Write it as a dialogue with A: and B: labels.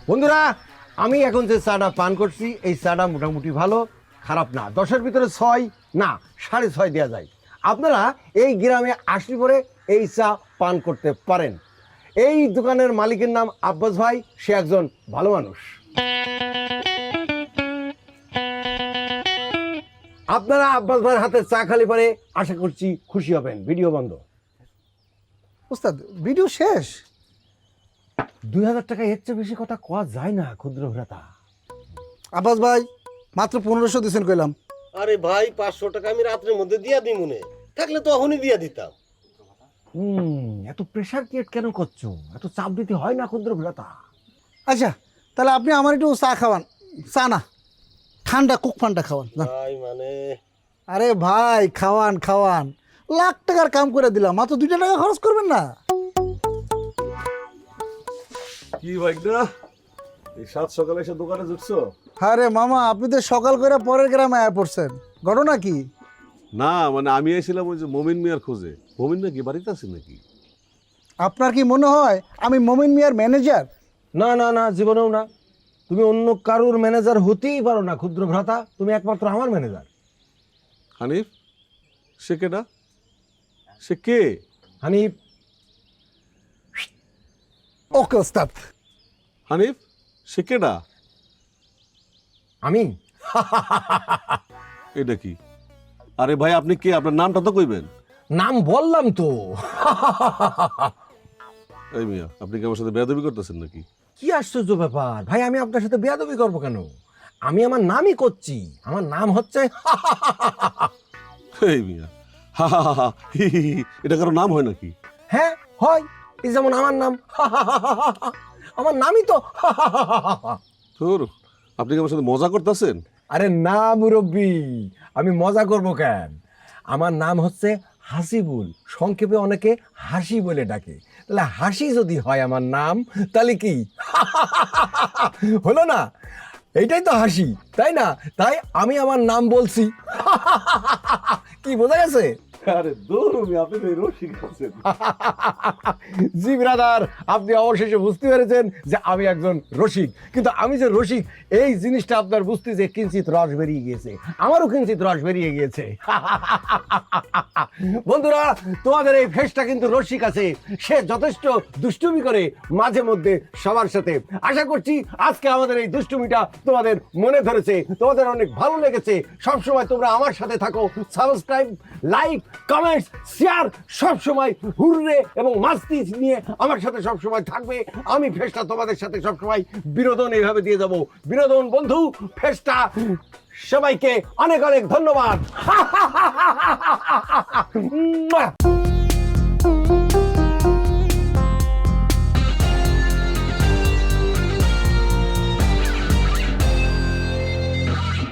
A: বন্ধুরা, আমি এখন যে চাটা পান করছি এই চাটা মোটামুটি ভালো, খারাপ না। 10-এর ভিতরে 6 না 6.5 দেওয়া যায়। আপনারা এই গ্রামে আসলে পরে এই চা পান করতে পারেন। এই দোকানের মালিকের নাম আব্বাস ভাই, সে একজন ভালো মানুষ। আপনারা আব্বাস ভাইয়ের হাতে চা খালি পরে আশা করছি খুশি হবেন। ভিডিও বন্ধ।
B: ওস্তাদ ভিডিও শেষ?
A: 2000 টাকা এর চেয়ে বেশি কথা কোয়া যায় না ক্ষুদ্র ভ্রাতা।
B: আব্বাস ভাই মাত্র 1500 দিয়েছেন কইলাম।
C: আরে ভাই 500 টাকা আমি রাত্রের মধ্যে দিয়া দিই মনে থাকলে তো এখনই দিয়া দিতাম।
A: এত প্রেশার ক্রিয়েট কেন করছো? এত চাপ দিতে হয় না ক্ষুদ্র ভ্রাতা।
B: আচ্ছা তাহলে আপনি আমার একটু চা খাওয়ান। চা না, ঠান্ডা কুক ফান্ডা খাওয়ান যান।
C: ভাই মানে
B: আরে ভাই খাওয়ান খাওয়ান, লাখ টাকার কাম করে দিলাম, মাত্র 2 টাকা খরচ করবেন না।
D: কি ভাইগনা এই সাত সকালে এসে দোকানে ঢুকছো?
B: আরে মামা আপনি তো সকাল করে পরের গ্রামে আয়া পড়ছেন, ঘটনা কি?
D: না মানে আমি এসেছিলাম ওই যে মমিন মিয়ার খোঁজে। মমিন নাকি বাড়িতে আছে নাকি?
B: আপনার কি মনে হয় আমি মমিন মিয়ার ম্যানেজার?
A: না না না, জীবনেও না। তুমি অন্য কারোর ম্যানেজার হতেই পারো না ক্ষুদ্র ভ্রাতা, তুমি একমাত্র আমার ম্যানেজার।
D: হানিফ? সে কেডা? সে কে?
A: হানিফ?
B: ওকে ওস্তাদ।
D: হানিফ সে কেডা?
A: আমি?
D: এটা কি? আরে ভাই আপনি কে? আপনার নামটা তো কইবেন।
A: নাম বললাম তো।
D: এই মিয়া আপনি কি আমার সাথে বেয়াদবি করতেছেন নাকি?
A: কি আশ্চর্য ব্যাপার ভাই, আমি আপনার সাথে বেয়াদবি করবো কেন? আমি আমার নামই করছি, আমার নাম হচ্ছে
D: এই মিয়া হা হা হা হি হি হি, এটা কারো নাম হয় নাকি?
A: হ্যাঁ হয়, এই যেমন আমার নাম। আমার নামই তো।
D: তোর আপনি কি আমার সাথে মজা করতেছেন?
A: আরে না মুরব্বি, আমি মজা করব কেন? আমার নাম হচ্ছে হাসিবুল, সংক্ষেপে অনেকে হাসি বলে ডাকে। তাহলে হাসি যদি হয় আমার নাম, তাহলে কি হলো না? এইটাই তো হাসি, তাই না? তাই আমি আমার নাম বলছি। কি বোঝা গেছে?
D: আরে দূর আপনি তো রসিক আছেন।
A: জি ব্রাদার, আপনি অবশেষে বুঝতে পেরেছেন যে আমি একজন রসিক। কিন্তু আমি যে রসিক এই জিনিসটা আপনার বুঝতে যে কিঞ্চিত রস বেরিয়ে গিয়েছে, আমারও কিঞ্চিত রস বেরিয়ে গিয়েছে। বন্ধুরা, তোমাদের এই ফেসটা কিন্তু রসিক আছে, সে যথেষ্ট দুষ্টুমি করে মাঝে মধ্যে সবার সাথে। আশা করছি আজকে আমাদের এই দুষ্টুমিটা তোমাদের মনে ধরেছে, তোমাদের অনেক ভালো লেগেছে। সবসময় তোমরা আমার সাথে থাকো, সাবস্ক্রাইব, লাইক, কমেন্টস, শেয়ার, সবসময় হুররে এবং মাস্তি নিয়ে আমার সাথে সবসময় থাকবে। আমি ফেসটা তোমাদের সাথে সবসময় বিনোদন এইভাবে দিয়ে যাব। বিনোদন বন্ধু ফেসটা। সবাইকে অনেক অনেক ধন্যবাদ।